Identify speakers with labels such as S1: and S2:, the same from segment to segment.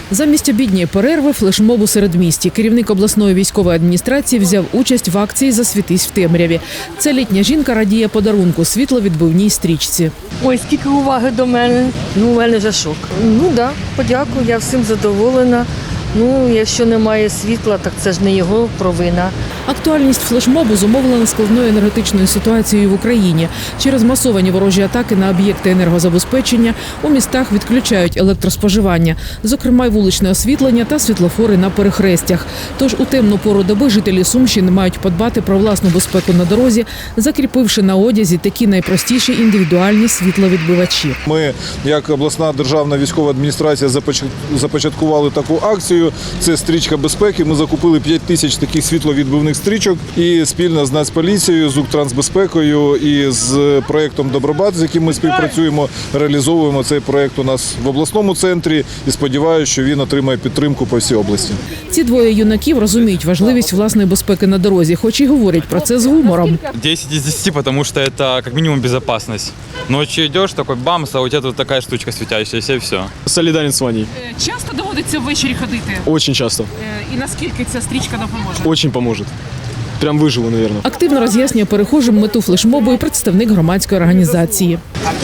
S1: Замість обідньої перерви флешмоб у середмісті. Керівник обласної військової адміністрації взяв участь в акції «Засвітись в темряві». Ця літня жінка радіє подарунку – світловідбивній стрічці.
S2: Ой, скільки уваги до мене. У мене вже шок. Так, подякую, я всім задоволена. Якщо немає світла, так це ж не його провина.
S1: Актуальність флешмобу зумовлена складною енергетичною ситуацією в Україні. Через масовані ворожі атаки на об'єкти енергозабезпечення у містах відключають електроспоживання, зокрема й вуличне освітлення та світлофори на перехрестях. Тож у темну пору доби жителі Сумщини мають подбати про власну безпеку на дорозі, закріпивши на одязі такі найпростіші індивідуальні світловідбивачі.
S3: Ми, як обласна державна військова адміністрація, започаткували таку акцію. Це стрічка безпеки. Ми закупили 5 тисяч таких світловідбивних стрічок і спільно з Нацполіцією, з Укртрансбезпекою і з проєктом «Добробат», з яким ми співпрацюємо, реалізовуємо цей проєкт у нас в обласному центрі і сподіваюся, що він отримає підтримку по всій області.
S1: Ці двоє юнаків розуміють важливість власної безпеки на дорозі, хоч і говорять про це з гумором.
S4: 10 из 10, потому что это как минимум безопасность. Ночью идешь, такой бамс, а у тебя тут такая штучка светящаяся и все.
S5: Солідарен з Ваней.
S6: Часто доводиться ввечері ходити?
S5: Очень часто.
S6: І наскільки ця стрічка допоможе?
S5: Очень поможет. Прям виживу, наверное.
S1: Активно роз'яснює перехожим мету флешмобу і представник громадської організації.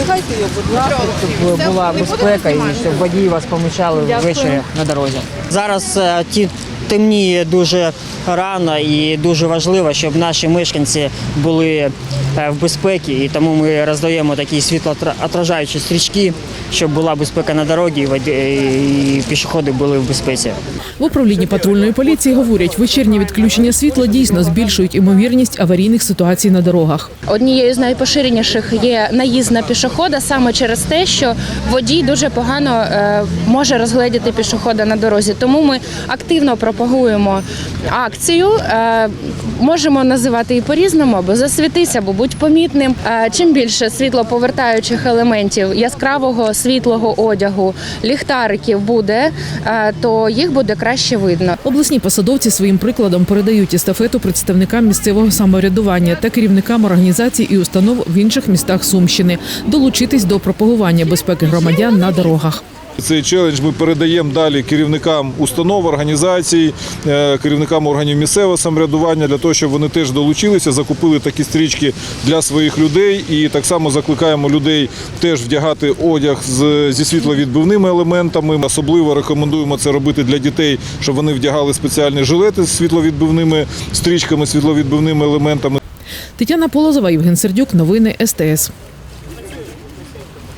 S7: Щоб була безпека і щоб водії вас помічали ввечері на дорозі. Зараз темніє дуже рано і дуже важливо, щоб наші мешканці були в безпеці, і тому ми роздаємо такі світлоотражаючі стрічки, щоб була безпека на дорозі і пішоходи були в безпеці.
S1: В управлінні патрульної поліції говорять, вечірні відключення світла дійсно збільшують ймовірність аварійних ситуацій на дорогах.
S8: Однією з найпоширеніших є наїзд на пішохода саме через те, що водій дуже погано може розгледіти пішохода на дорозі. Тому ми активно пропагуємо акцію, можемо називати її по-різному, або «Засвітись», або «Будь помітним». Чим більше світлоповертаючих елементів, яскравого світлого одягу, ліхтариків буде, то їх буде краще видно.
S1: Обласні посадовці своїм прикладом передають естафету представникам місцевого самоврядування та керівникам організацій і установ в інших містах Сумщини долучитись до пропагування безпеки громадян на дорогах.
S3: Цей челендж ми передаємо далі керівникам установ, організацій, керівникам органів місцевого самоврядування, для того, щоб вони теж долучилися, закупили такі стрічки для своїх людей. І так само закликаємо людей теж вдягати одяг зі світловідбивними елементами. Особливо рекомендуємо це робити для дітей, щоб вони вдягали спеціальні жилети з світловідбивними стрічками, світловідбивними елементами.
S1: Тетяна Полозова, Євген Сердюк. Новини СТС.